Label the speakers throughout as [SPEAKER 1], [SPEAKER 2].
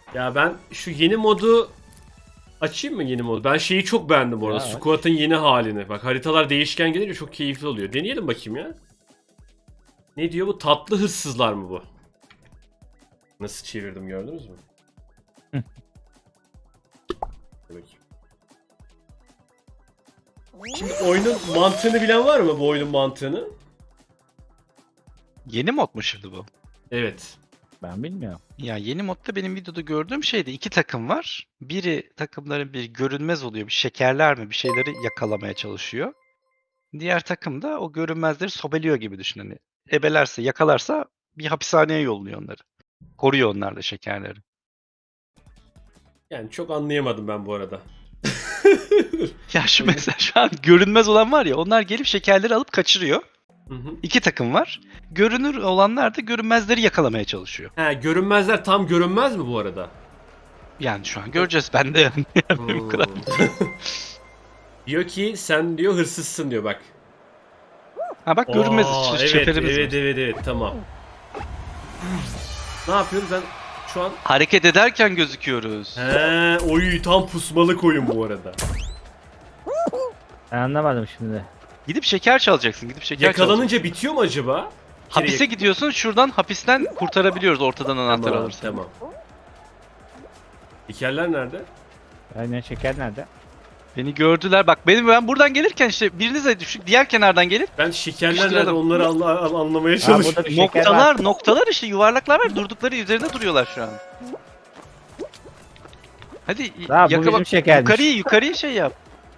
[SPEAKER 1] Ya ben şu yeni modu açayım mı yeni modu? Ben şeyi çok beğendim bu arada.
[SPEAKER 2] Ya aç.
[SPEAKER 1] Squat'ın yeni halini. Bak haritalar değişken gelince çok keyifli oluyor. Deneyelim bakayım ya. Ne diyor bu? Tatlı hırsızlar mı bu? Nasıl çevirdim gördünüz mü? Bakayım. Şimdi oyunun mantığını bilen var mı bu oyunun mantığını?
[SPEAKER 3] Yeni mod mu şimdi bu?
[SPEAKER 1] Evet.
[SPEAKER 2] Ben bilmiyorum.
[SPEAKER 3] Ya yeni modda benim videoda gördüğüm şeyde iki takım var. Biri takımların bir görünmez oluyor. Bir şekerler mi bir şeyleri yakalamaya çalışıyor. Diğer takım da o görünmezleri sobeliyor gibi düşün. Hani ebelerse yakalarsa bir hapishaneye yolluyor onları. Koruyor onlar da şekerleri.
[SPEAKER 1] Yani çok anlayamadım ben bu arada.
[SPEAKER 3] Ya şu mesela şu an görünmez olan var ya onlar gelip şekerleri alıp kaçırıyor.
[SPEAKER 1] Hı hı.
[SPEAKER 3] İki takım var. Görünür olanlar da görünmezleri yakalamaya çalışıyor.
[SPEAKER 1] He, görünmezler tam görünmez mi bu arada?
[SPEAKER 3] Yani şu an göreceğiz. Ben de yani bu kadar.
[SPEAKER 1] Diyor ki sen diyor hırsızsın diyor bak.
[SPEAKER 3] Ha bak görünmez
[SPEAKER 1] Evet,
[SPEAKER 3] şekerimiz
[SPEAKER 1] evet,
[SPEAKER 3] var.
[SPEAKER 1] evet, tamam. Ne yapıyoruz ben şu an?
[SPEAKER 3] Hareket ederken gözüküyoruz.
[SPEAKER 1] He, oy tam pusmalık oyun bu arada.
[SPEAKER 2] Ben anlamadım şimdi.
[SPEAKER 3] Gidip şeker çalacaksın. Gidip şeker çalacaksın.
[SPEAKER 1] Yakalanınca bitiyor mu acaba?
[SPEAKER 3] Hapise gidiyorsun. Şuradan hapisten kurtarabiliyoruz ortadan anahtar
[SPEAKER 1] Tamam,
[SPEAKER 3] alırsan.
[SPEAKER 1] tamam. Dikerler nerede?
[SPEAKER 2] Aynen şeker nerede?
[SPEAKER 3] Beni gördüler. Bak ben buradan gelirken işte biriniz de düşük diğer kenardan gelip
[SPEAKER 1] Ben şekerler nerede
[SPEAKER 3] Sıkıştıralım.
[SPEAKER 1] onları anlamaya
[SPEAKER 2] Aa,
[SPEAKER 1] çalışıyorum.
[SPEAKER 2] burada bir şeker var.
[SPEAKER 3] noktalar işte yuvarlaklar var. Durdukları üzerinde duruyorlar şu an. Hadi
[SPEAKER 2] Aa, bu
[SPEAKER 3] yaka
[SPEAKER 2] bizim
[SPEAKER 3] bak.
[SPEAKER 2] şekermiş.
[SPEAKER 3] Yukarıya şey yap.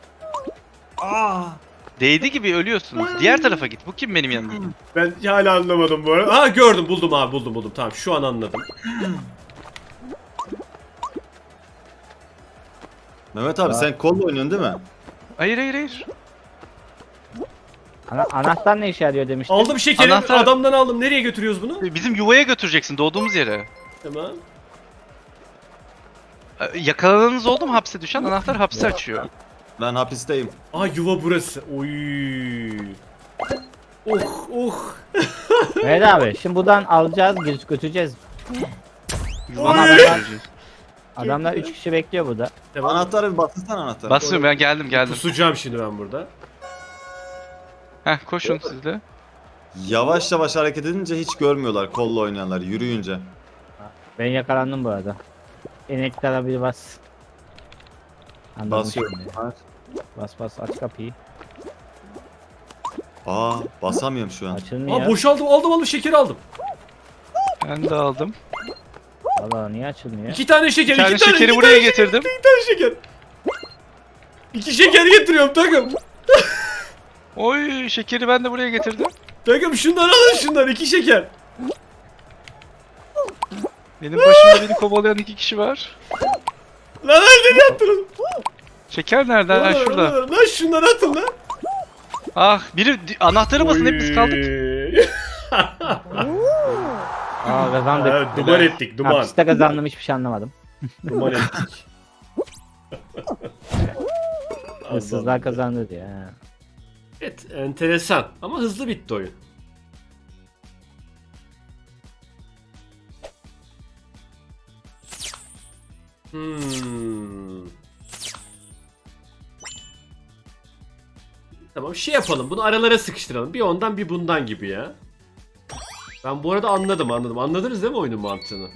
[SPEAKER 3] Değdi gibi ölüyorsunuz. Diğer tarafa git. Bu kim benim yanımda?
[SPEAKER 1] Ben hala anlamadım bu arada. Ha gördüm buldum abi buldum. Tamam şu an anladım.
[SPEAKER 4] Mehmet abi sen kolla oynuyorsun değil mi?
[SPEAKER 3] Hayır.
[SPEAKER 2] Anahtar ne işe yarıyor demiştim.
[SPEAKER 1] Aldım şekeri
[SPEAKER 3] Anahtar-
[SPEAKER 1] adamdan aldım. Nereye götürüyoruz bunu?
[SPEAKER 3] Bizim yuvaya götüreceksin doğduğumuz yere.
[SPEAKER 1] Tamam.
[SPEAKER 3] Yakalananız oldu mu hapse düşen? Anahtar hapse açıyor.
[SPEAKER 4] Ben hapisteyim.
[SPEAKER 1] Aa yuva burası. Oy. Oh.
[SPEAKER 2] Evet abi şimdi buradan alacağız götüreceğiz.
[SPEAKER 3] Yuvana
[SPEAKER 1] Oy!
[SPEAKER 3] götüreceğiz.
[SPEAKER 2] Adamlar 3 kişi bekliyor burada.
[SPEAKER 1] Tamam.
[SPEAKER 4] Anahtarı bir bastırsana anahtarı.
[SPEAKER 3] Basıyorum ben geldim.
[SPEAKER 1] Kusacağım şimdi ben burada.
[SPEAKER 3] Heh koşun siz de.
[SPEAKER 4] Yavaş yavaş hareket edince hiç görmüyorlar kolla oynayanlar yürüyünce.
[SPEAKER 2] Ben yakalandım bu arada. Eneklere bir bas. Anladım
[SPEAKER 4] Basıyorum.
[SPEAKER 2] şimdi. Bas aç kapıyı.
[SPEAKER 4] Aa basamıyorum şu an.
[SPEAKER 2] Açılmıyor.
[SPEAKER 1] Aa boşaldım aldım şekeri aldım.
[SPEAKER 3] Ben de aldım.
[SPEAKER 2] Valla niye açılmıyor?
[SPEAKER 1] 2 tane şeker,
[SPEAKER 3] Bir tane
[SPEAKER 1] 2 tane
[SPEAKER 3] şekeri
[SPEAKER 1] iki
[SPEAKER 3] buraya
[SPEAKER 1] tane
[SPEAKER 3] getirdim.
[SPEAKER 1] 2 tane şeker. 2 şeker getiriyorum takım.
[SPEAKER 3] Oy şekeri ben de buraya getirdim.
[SPEAKER 1] Takım şunları alın şunları 2 şeker.
[SPEAKER 3] Benim başımda beni kovalayan iki kişi var.
[SPEAKER 1] Lan nerede yaptınız?
[SPEAKER 3] Şeker nerede? Ha şurada.
[SPEAKER 1] Lan şunları atın lan.
[SPEAKER 3] Ah biri anahtarı basın hep biz kaldık.
[SPEAKER 2] Aa kazandık.
[SPEAKER 1] Evet, duman ettik duman.
[SPEAKER 2] Hapiste kazandım hiçbir şey anlamadım.
[SPEAKER 1] Duman ettik.
[SPEAKER 2] Hırsızlar kazandı diye. ha.
[SPEAKER 1] Evet enteresan ama hızlı bitti oyun. Tamam şey yapalım bunu aralara sıkıştıralım. Bir ondan bir bundan gibi ya. Ben bu arada anladım. Anladınız değil mi oyunun mantığını?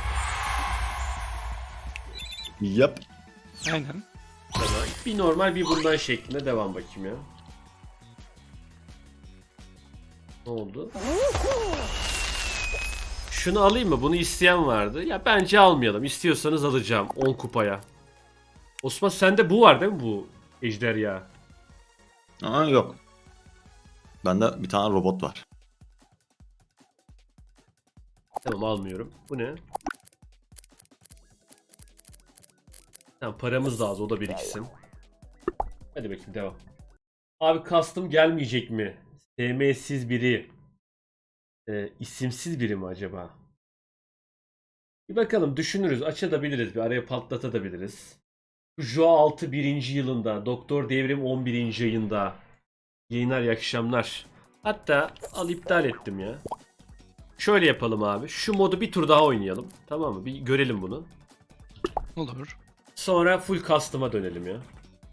[SPEAKER 4] Yap.
[SPEAKER 3] Aynen.
[SPEAKER 1] Tamam. Bir normal bir bundan şeklinde devam bakayım ya. Ne oldu? Şunu alayım mı? Bunu isteyen vardı. Ya bence almayalım. İstiyorsanız alacağım 10 kupaya. Osman sende bu var değil mi bu ejderha?
[SPEAKER 4] Aa yok. Bende bir tane robot var.
[SPEAKER 1] Tamam almıyorum. Bu ne? Tamam paramız da az o da biriksin. Hadi bakayım devam. Abi custom gelmeyecek mi? SM'siz biri. İsimsiz biri mi acaba? Bir bakalım düşünürüz. Açabiliriz. Bir araya patlatabiliriz. Joa 6 birinci yılında. Doktor Devrim 11. ayında. Yayınlar iyi akşamlar. Hatta al iptal ettim ya. Şöyle yapalım abi. Şu modu bir tur daha oynayalım. Tamam mı? Bir görelim bunu.
[SPEAKER 3] Olur.
[SPEAKER 1] Sonra full custom'a dönelim ya.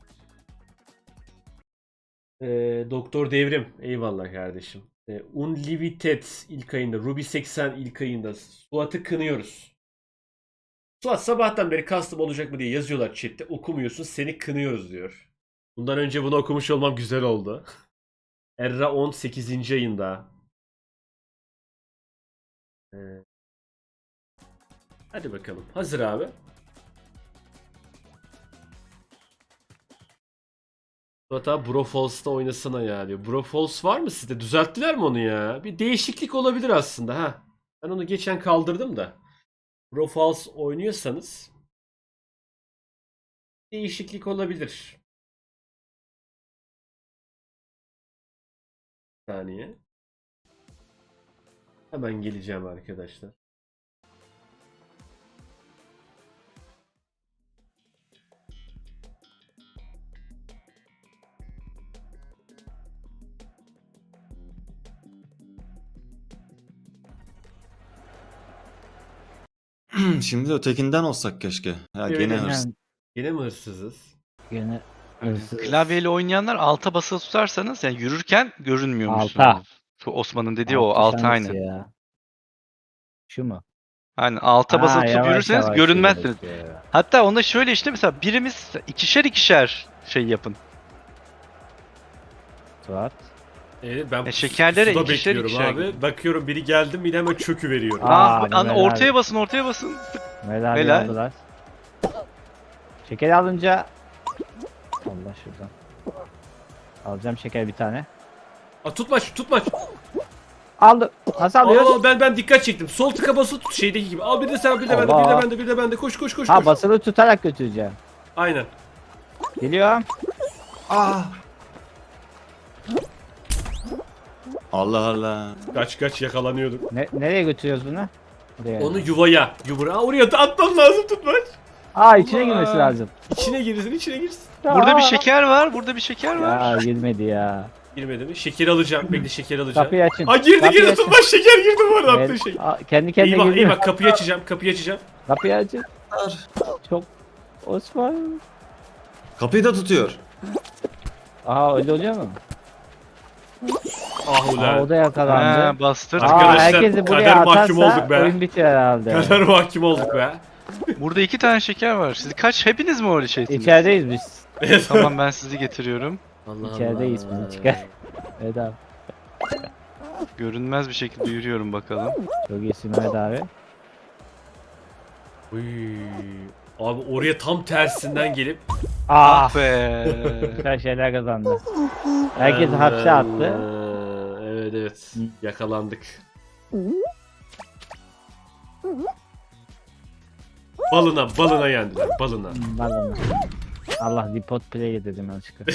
[SPEAKER 1] Doktor Devrim. Eyvallah kardeşim. Unlimited ilk ayında. Ruby 80 ilk ayında. Suat'ı kınıyoruz. Suat sabahtan beri custom olacak mı diye yazıyorlar chatte. Okumuyorsun, seni kınıyoruz diyor. Bundan önce bunu okumuş olmam güzel oldu. Erra 18. ayında. Hadi bakalım. Hazır abi. Hatta Brofalls'ta oynasana ya diyor. Brofalls var mı sizde? Düzelttiler mi onu ya? Bir değişiklik olabilir aslında ha. Ben onu geçen kaldırdım da. Brofalls oynuyorsanız değişiklik olabilir. Bir saniye. Hemen geleceğim arkadaşlar.
[SPEAKER 4] Şimdi de ötekinden olsak keşke. Ya
[SPEAKER 1] Evet,
[SPEAKER 4] gene
[SPEAKER 1] evet.
[SPEAKER 4] hırs.
[SPEAKER 1] Yine mi hırsızız?
[SPEAKER 2] Gene hırsız.
[SPEAKER 3] Klavyeyle oynayanlar alta basılı tutarsanız yani yürürken görünmüyormuşsunuz.
[SPEAKER 2] Alta.
[SPEAKER 3] Şu Osman'ın dediği o
[SPEAKER 2] Alt
[SPEAKER 3] alta
[SPEAKER 2] tuş hangisi
[SPEAKER 3] aynı.
[SPEAKER 2] ya? Şu mu?
[SPEAKER 3] Hani alta basılı tutup
[SPEAKER 2] yavaş
[SPEAKER 3] yürürseniz
[SPEAKER 2] yavaş
[SPEAKER 3] görünmezsiniz.
[SPEAKER 2] yürüyoruz ya.
[SPEAKER 3] Hatta onda şöyle işte mesela birimiz ikişer ikişer şey yapın.
[SPEAKER 2] Suat.
[SPEAKER 1] Ben
[SPEAKER 3] şekerlere
[SPEAKER 1] suda
[SPEAKER 3] ikişer
[SPEAKER 1] bekliyorum
[SPEAKER 3] ikişer
[SPEAKER 1] abi.
[SPEAKER 3] gidin.
[SPEAKER 1] Bakıyorum biri geldi mi yine hemen çökü veriyorum.
[SPEAKER 2] Mehmet
[SPEAKER 3] Ortaya
[SPEAKER 2] abi.
[SPEAKER 3] basın ortaya basın.
[SPEAKER 2] Mehmet abi
[SPEAKER 3] Helal.
[SPEAKER 2] aldılar. Şekeri alınca... Allah şuradan. Alacağım şeker bir tane.
[SPEAKER 1] Tutmaç tutmaç.
[SPEAKER 2] Aldım. Nasıl alıyoruz?
[SPEAKER 1] Ben dikkat çektim. Sol tıka basılı tut şeydeki gibi. Al bir de sen bir de bende bir de
[SPEAKER 2] Allah.
[SPEAKER 1] bende bir de bende. Koş koş koş
[SPEAKER 2] Ha
[SPEAKER 1] koş.
[SPEAKER 2] basılı tutarak götüreceğim.
[SPEAKER 1] Aynen.
[SPEAKER 2] Geliyorum.
[SPEAKER 4] Allah Allah.
[SPEAKER 1] Kaç yakalanıyorduk.
[SPEAKER 2] Nereye götürüyoruz bunu? Oraya.
[SPEAKER 1] Onu yuvaya. Oraya da atman lazım tutmaç.
[SPEAKER 2] içine girmesi lazım.
[SPEAKER 1] İçine girsin.
[SPEAKER 3] Burada bir şeker var. Burada bir şeker var.
[SPEAKER 2] Ya girmedi ya.
[SPEAKER 1] Girmedi mi? Şeker alacağım. Bekle şeker alacağım.
[SPEAKER 2] Kapıyı açın.
[SPEAKER 1] Girdi
[SPEAKER 2] Kapıyı açın.
[SPEAKER 1] tutmaç şeker girdi bu arada
[SPEAKER 2] Evet.
[SPEAKER 1] attığı şey.
[SPEAKER 2] Kendi kendine
[SPEAKER 1] Eyvah
[SPEAKER 2] girdi.
[SPEAKER 1] eyvah kapıyı açacağım.
[SPEAKER 2] Kapıyı açın. Çok Osman.
[SPEAKER 4] Kapıyı da tutuyor.
[SPEAKER 2] Öyle oluyor mu?
[SPEAKER 1] Ah ulan.
[SPEAKER 2] O da yakalandı.
[SPEAKER 3] Ha, bastır.
[SPEAKER 1] Arkadaşlar,
[SPEAKER 2] Herkesi buraya
[SPEAKER 1] kader mahkum
[SPEAKER 2] atarsa
[SPEAKER 1] olduk be.
[SPEAKER 2] oyun bitiyor herhalde.
[SPEAKER 1] Kadar mahkum olduk be.
[SPEAKER 3] Burada 2 tane şeker var. Siz hepiniz mi öyle şeysiniz?
[SPEAKER 2] İçerideyiz biz.
[SPEAKER 3] Tamam ben sizi getiriyorum.
[SPEAKER 1] Allah
[SPEAKER 2] İçerideyiz bizi çıkar. Evet abi.
[SPEAKER 3] Görünmez bir şekilde yürüyorum bakalım.
[SPEAKER 2] Çok iyisin Mehmet abi.
[SPEAKER 1] Uy. Abi oraya tam tersinden gelip
[SPEAKER 3] Ah be.
[SPEAKER 2] Güzel şeyler kazandı. Herkes hapse attı.
[SPEAKER 1] Evet. Yakalandık. Balına yendiler. Balına.
[SPEAKER 2] Balonu. Allah depot play dedim yanlışlıkla.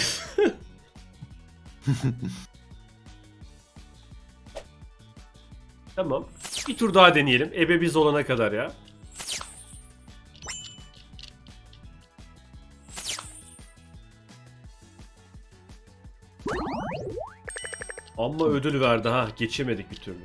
[SPEAKER 1] Tamam. Bir tur daha deneyelim. Ebe biz olana kadar ya. Amma ödül verdi ha. Geçemedik bir türlü.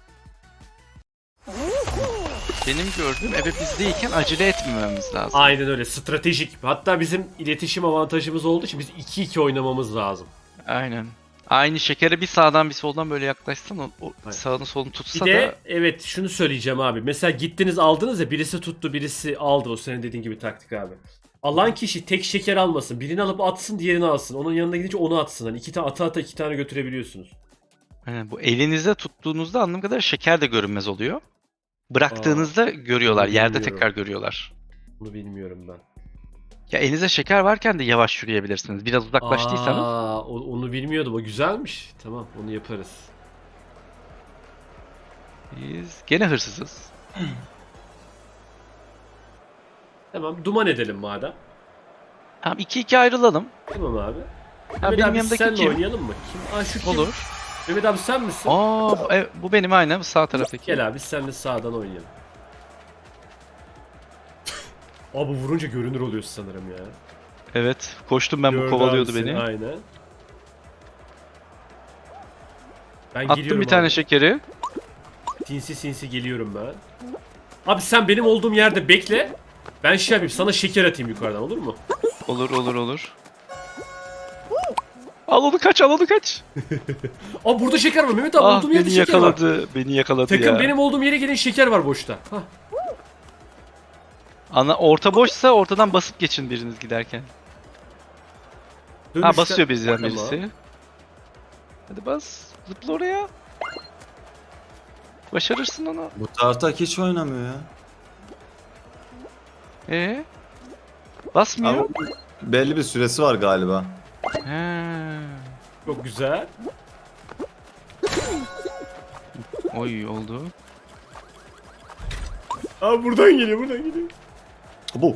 [SPEAKER 3] Benim gördüğüm ebe bizdeyken acele etmememiz lazım.
[SPEAKER 1] Aynen öyle. Stratejik. Hatta bizim iletişim avantajımız olduğu için biz 2-2 oynamamız lazım.
[SPEAKER 3] Aynen. Aynı şekere bir sağdan bir soldan böyle yaklaşsan o
[SPEAKER 1] Aynen.
[SPEAKER 3] sağını solunu
[SPEAKER 1] Bir
[SPEAKER 3] tutsa
[SPEAKER 1] de
[SPEAKER 3] da
[SPEAKER 1] evet şunu söyleyeceğim abi. Mesela gittiniz aldınız ya birisi tuttu birisi aldı. O senin dediğin gibi taktik abi. Alan kişi tek şeker almasın. Birini alıp atsın diğerini alsın. Onun yanına gidince onu atsın. Hani iki tane ata iki tane götürebiliyorsunuz.
[SPEAKER 3] aynen, bu elinizde tuttuğunuzda anladığım kadar şeker de görünmez oluyor. Bıraktığınızda görüyorlar.
[SPEAKER 1] bunu
[SPEAKER 3] Yerde
[SPEAKER 1] bilmiyorum.
[SPEAKER 3] tekrar görüyorlar.
[SPEAKER 1] Bunu bilmiyorum ben.
[SPEAKER 3] Ya elinizde şeker varken de yavaş yürüyebilirsiniz. Biraz uzaklaştıysanız.
[SPEAKER 1] Onu bilmiyordum. O güzelmiş. Tamam onu yaparız.
[SPEAKER 3] Biz gene hırsızız.
[SPEAKER 1] Tamam duman edelim madem.
[SPEAKER 3] Tamam 2-2 ayrılalım.
[SPEAKER 1] Tamam abi.
[SPEAKER 3] Ha,
[SPEAKER 1] Mehmet
[SPEAKER 3] benim
[SPEAKER 1] abi
[SPEAKER 3] yanımdaki
[SPEAKER 1] senle
[SPEAKER 3] kim?
[SPEAKER 1] oynayalım mı? Kim? Şu kim?
[SPEAKER 3] Olur.
[SPEAKER 1] Mehmet abi sen misin?
[SPEAKER 3] Bu benim aynen sağ taraftaki.
[SPEAKER 1] Gel abi biz seninle sağdan oynayalım. Abi vurunca görünür oluyorsun sanırım ya.
[SPEAKER 3] Evet. Koştum ben bu
[SPEAKER 1] Gördü
[SPEAKER 3] kovalıyordu
[SPEAKER 1] abi seni,
[SPEAKER 3] beni.
[SPEAKER 1] Aynen. Ben
[SPEAKER 3] Attım
[SPEAKER 1] geliyorum
[SPEAKER 3] bir tane
[SPEAKER 1] abi.
[SPEAKER 3] şekeri.
[SPEAKER 1] Sinsi geliyorum ben. Abi sen benim olduğum yerde bekle. Ben şey yapayım, sana şeker atayım yukarıdan, olur mu?
[SPEAKER 3] Olur olur olur. Al onu kaç, al onu kaç.
[SPEAKER 1] Aa burada şeker var Mehmet abi,
[SPEAKER 3] Ah
[SPEAKER 1] olduğum yerde
[SPEAKER 3] beni
[SPEAKER 1] şeker var.
[SPEAKER 3] yakaladı. Beni yakaladı
[SPEAKER 1] Takım
[SPEAKER 3] ya.
[SPEAKER 1] benim olduğum yere gelin, şeker var boşta. Hah.
[SPEAKER 3] Orta boşsa ortadan basıp geçin biriniz giderken. Ha
[SPEAKER 1] Dönüşte-
[SPEAKER 3] basıyor bizden
[SPEAKER 1] Tamam.
[SPEAKER 3] birisi. Hadi bas. Zıpla oraya. Başarırsın onu.
[SPEAKER 4] Bu tartak hiç oynamıyor ya.
[SPEAKER 3] Basmıyor.
[SPEAKER 4] Ama belli bir süresi var galiba.
[SPEAKER 3] He.
[SPEAKER 1] Çok güzel.
[SPEAKER 3] Oy oldu.
[SPEAKER 1] Aa buradan geliyor, buradan geliyor.
[SPEAKER 4] Bu.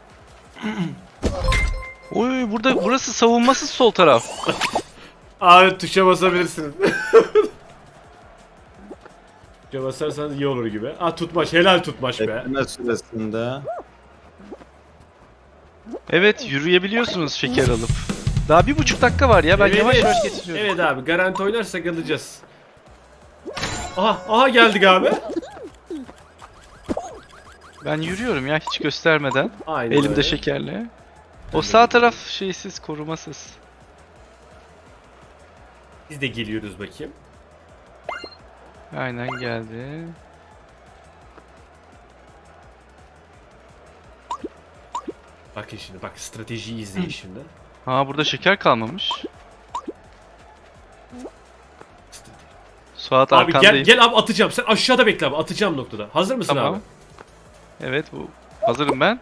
[SPEAKER 3] Oy burada burası savunmasız sol taraf.
[SPEAKER 1] Aa tuşa basabilirsiniz. Tuşa basarsanız iyi olur gibi. Aa tutmaç, helal tutmaç be.
[SPEAKER 4] Bekleme süresinde.
[SPEAKER 3] Evet yürüyebiliyorsunuz şeker alıp. Daha 1,5 dakika var ya ben
[SPEAKER 1] Evet,
[SPEAKER 3] yavaş
[SPEAKER 1] evet.
[SPEAKER 3] yavaş getiriyorum.
[SPEAKER 1] Evet abi, garanti oynarsak alacağız. Aha geldik abi.
[SPEAKER 3] Ben yürüyorum ya hiç göstermeden.
[SPEAKER 1] Aynen
[SPEAKER 3] Elimde
[SPEAKER 1] öyle.
[SPEAKER 3] şekerle. O sağ taraf şeysiz, korumasız.
[SPEAKER 1] Biz de geliyoruz bakayım.
[SPEAKER 3] Aynen geldi.
[SPEAKER 1] Bakın şimdi, bak stratejiyi izleyin şimdi.
[SPEAKER 3] Ha burada şeker kalmamış. Suat
[SPEAKER 1] Abi
[SPEAKER 3] arkandayım.
[SPEAKER 1] gel abi, atacağım. Sen aşağıda bekle abi, atacağım noktada. Hazır mısın
[SPEAKER 3] Tamam.
[SPEAKER 1] abi?
[SPEAKER 3] Evet bu. Hazırım ben.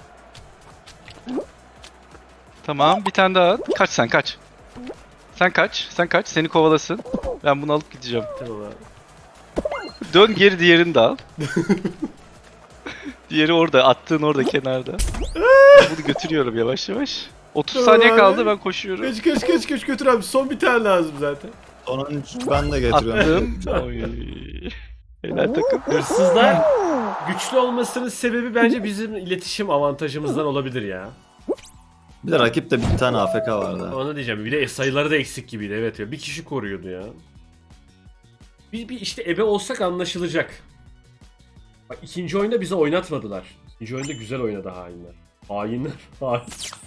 [SPEAKER 3] Tamam bir tane daha at. Kaç sen kaç. Sen kaç. Sen kaç. Seni kovalasın. Ben bunu alıp gideceğim.
[SPEAKER 1] Tamam abi.
[SPEAKER 3] Dön geri diğerini de al. Diğeri orada. Attığın orada kenarda. Ben bunu götürüyorum yavaş yavaş. 30
[SPEAKER 1] Tamam
[SPEAKER 3] saniye
[SPEAKER 1] abi.
[SPEAKER 3] kaldı ben koşuyorum.
[SPEAKER 1] Kaç götür abi. Son bir tane lazım zaten.
[SPEAKER 4] Sonuncu ben de getiriyorum.
[SPEAKER 3] Attım. Oy. Helal takım.
[SPEAKER 1] Hırsızlar güçlü olmasının sebebi bence bizim iletişim avantajımızdan olabilir ya.
[SPEAKER 4] Bir de rakipte bir tane AFK vardı.
[SPEAKER 1] Onu diyeceğim. Bir de sayıları da eksik gibiydi. Evet ya. Bir kişi koruyordu ya. Bir işte ebe olsak anlaşılacak. Bak ikinci oyunda bize oynatmadılar. İkinci oyunda güzel oynadı hainler. Hainler. Hain.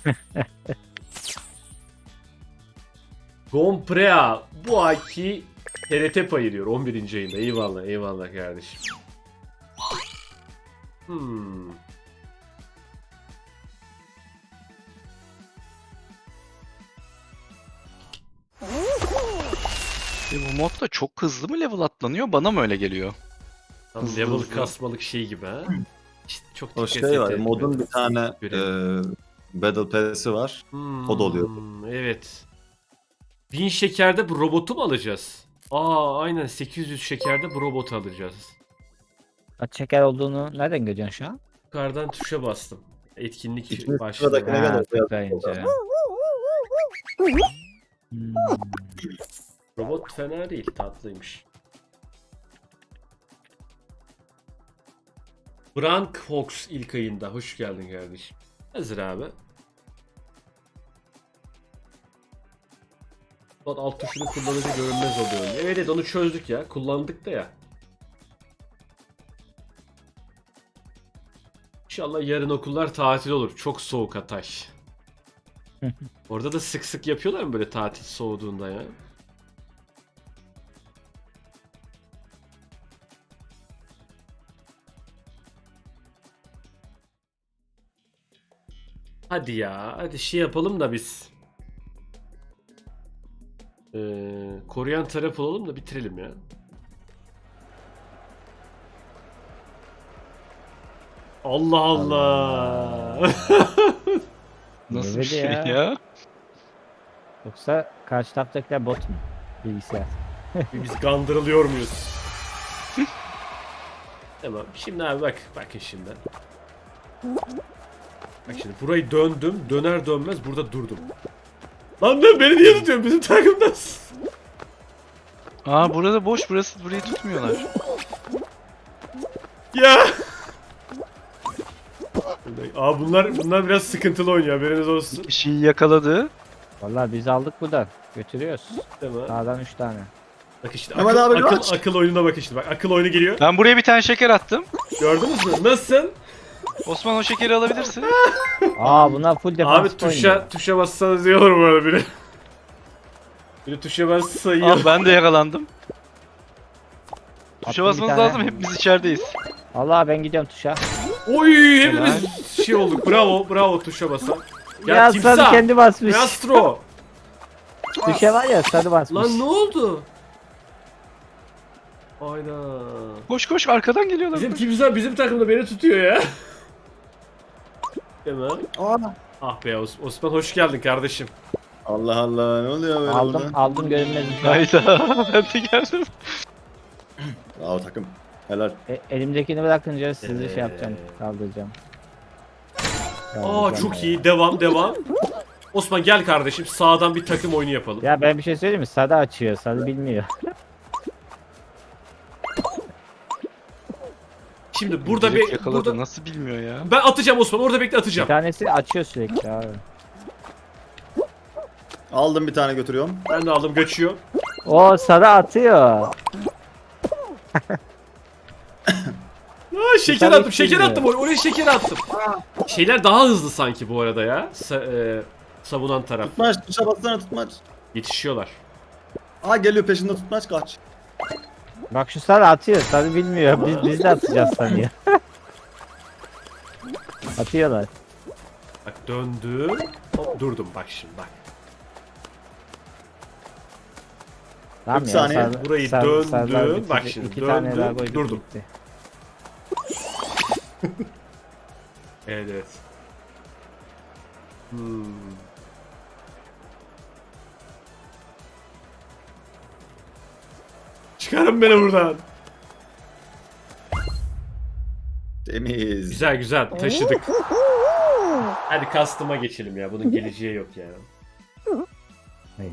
[SPEAKER 1] Gomprea bu ayki TRT payı diyor 11. ayında. Eyvallah eyvallah kardeşim.
[SPEAKER 3] Bu modda çok hızlı mı level atlanıyor? Bana mı öyle geliyor?
[SPEAKER 1] Tam
[SPEAKER 3] Hızlı
[SPEAKER 1] level
[SPEAKER 3] hızlı.
[SPEAKER 1] kasmalık şey gibi ha. İşte çok
[SPEAKER 4] O
[SPEAKER 1] dikkat
[SPEAKER 4] şey var.
[SPEAKER 1] ettim.
[SPEAKER 4] Modun bir tane
[SPEAKER 1] Görelim.
[SPEAKER 4] Battle Pass'i var. O da oluyor.
[SPEAKER 1] Evet. 1000 şekerde bu robotu mu alacağız? Aa aynen 800 şekerde bu robotu alacağız.
[SPEAKER 2] Kaç şeker olduğunu nereden görüyorsun şu an?
[SPEAKER 1] Yukarıdan tuşa bastım. Etkinlik
[SPEAKER 4] İkinci
[SPEAKER 1] başlıyor.
[SPEAKER 4] sıradaki- Ne
[SPEAKER 2] Ha,
[SPEAKER 4] kadar
[SPEAKER 2] tıklayınca. Hmm.
[SPEAKER 1] Robot fena değil, tatlıymış. Brank Fox ilk ayında. Hoş geldin kardeşim. Hazır abi. Alt tuşunu kullanınca görünmez oluyor. Evet evet onu çözdük ya. Kullandık da ya. İnşallah yarın okullar tatil olur. Çok soğuk Hatay. Orada da sık sık yapıyorlar mı böyle tatil soğuduğunda ya? Hadi ya. Hadi şey yapalım da biz. Koruyan taraf olalım da bitirelim ya. Allah Allah.
[SPEAKER 3] Nasıl bir
[SPEAKER 2] Evet
[SPEAKER 3] şey
[SPEAKER 2] ya.
[SPEAKER 3] ya?
[SPEAKER 2] Yoksa karşı taraftakiler bot mu? Bilgisayar.
[SPEAKER 1] Biz kandırılıyor muyuz? Tamam. Şimdi abi bak. Bakın şimdi. Bak şimdi burayı döndüm. Döner dönmez burada durdum. Lan beni niye tutuyorsun? Bizim takımdasın.
[SPEAKER 3] Aa burada boş burası burayı tutmuyorlar.
[SPEAKER 1] Ya. Aa bunlar biraz sıkıntılı oynuyor, haberiniz olsun.
[SPEAKER 3] Bir şeyi yakaladı.
[SPEAKER 2] Vallahi biz aldık buradan. Götürüyoruz.
[SPEAKER 1] Tamam.
[SPEAKER 2] Sağdan 3 tane.
[SPEAKER 1] Bak işte
[SPEAKER 4] Mehmet abi kaç.
[SPEAKER 1] akıl oyununa bak işte. Bak akıl oyunu geliyor.
[SPEAKER 3] Ben buraya bir tane şeker attım.
[SPEAKER 1] Gördünüz mü? Nasıl?
[SPEAKER 3] Osman o şekeri alabilirsin.
[SPEAKER 2] Aa bunlar full defans
[SPEAKER 1] Abi tuşa bassanız iyi olur bu arada biri. Biri tuşa bassa iyi
[SPEAKER 3] Al
[SPEAKER 1] olur.
[SPEAKER 3] ben de yakalandım. Tuşa
[SPEAKER 2] Attım bir
[SPEAKER 3] basmanız
[SPEAKER 2] tane.
[SPEAKER 3] lazım, hepimiz içerideyiz.
[SPEAKER 2] Allah ben gidiyorum tuşa.
[SPEAKER 1] Oy hepimiz şey olduk. Bravo tuşa basan.
[SPEAKER 2] Ya, sarı kendi basmış.
[SPEAKER 1] Maestro.
[SPEAKER 2] Tuşa var ya sarı basmış.
[SPEAKER 1] Lan ne oldu? Ayda.
[SPEAKER 3] Koş koş, arkadan geliyorlar.
[SPEAKER 1] Bizim takımda beni tutuyor ya. Hemen.
[SPEAKER 4] Aa.
[SPEAKER 1] Ah be Osman hoş geldin kardeşim.
[SPEAKER 4] Allah Allah, ne oluyor böyle burada?
[SPEAKER 2] Aldım görünmezim.
[SPEAKER 3] Hayda, ben de geldim.
[SPEAKER 4] Bravo takım. Helal.
[SPEAKER 2] Elimdekini bırakınca sizi
[SPEAKER 1] Evet.
[SPEAKER 2] şey yapacağım. Kaldıracağım.
[SPEAKER 1] Aa çok iyi. Devam. Osman gel kardeşim. Sağdan bir takım oyunu yapalım.
[SPEAKER 2] Ya ben bir şey söyleyeyim mi? Sarı açıyor. Sarı bilmiyor.
[SPEAKER 1] Şimdi burada
[SPEAKER 3] Direkt
[SPEAKER 1] bir
[SPEAKER 3] yakaladı,
[SPEAKER 1] burada
[SPEAKER 3] nasıl bilmiyor ya.
[SPEAKER 1] ben atacağım Osman. Orada bekle
[SPEAKER 2] Bir
[SPEAKER 1] atacağım.
[SPEAKER 2] tanesi açıyor sürekli abi.
[SPEAKER 4] Aldım bir tane götürüyorum.
[SPEAKER 1] Ben de aldım kaçıyor.
[SPEAKER 2] O sarı atıyor.
[SPEAKER 1] Aa, şeker
[SPEAKER 2] tane
[SPEAKER 1] attım. Şeker
[SPEAKER 2] bilmiyor.
[SPEAKER 1] attım. Oraya şeker attım. Şeyler daha hızlı sanki bu arada ya. Savunan taraf.
[SPEAKER 4] Tutmaç, tuşa bassana tutmaç.
[SPEAKER 1] Yetişiyorlar.
[SPEAKER 4] Aa geliyor peşinde tutmaç, kaç.
[SPEAKER 2] Bak şu sarı atıyor. Sarı bilmiyor. Biz de atacağız sanıyor. Atıyorlar.
[SPEAKER 1] Bak döndüm. Hop, durdum bak şimdi bak.
[SPEAKER 2] Tamam
[SPEAKER 4] 40
[SPEAKER 2] ya,
[SPEAKER 4] saniye.
[SPEAKER 1] Burayı
[SPEAKER 2] sarılar
[SPEAKER 1] döndüm.
[SPEAKER 2] bitti.
[SPEAKER 1] Bak şimdi
[SPEAKER 2] İki tane daha
[SPEAKER 1] döndüm.
[SPEAKER 2] koyduk,
[SPEAKER 1] Durdum.
[SPEAKER 2] bitti.
[SPEAKER 1] Evet. Hmm. Çıkarın beni buradan.
[SPEAKER 4] Temiz.
[SPEAKER 1] Güzel taşıdık. Hadi custom'a geçelim ya. Bunun geleceği yok ya.
[SPEAKER 2] Ay.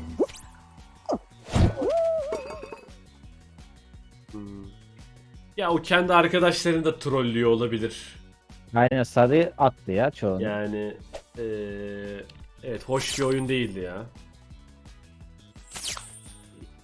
[SPEAKER 1] Hmm. Ya o kendi arkadaşlarını da trollüyor olabilir.
[SPEAKER 2] Aynen sarı attı ya çoğunu.
[SPEAKER 1] Yani evet hoş bir oyun değildi ya.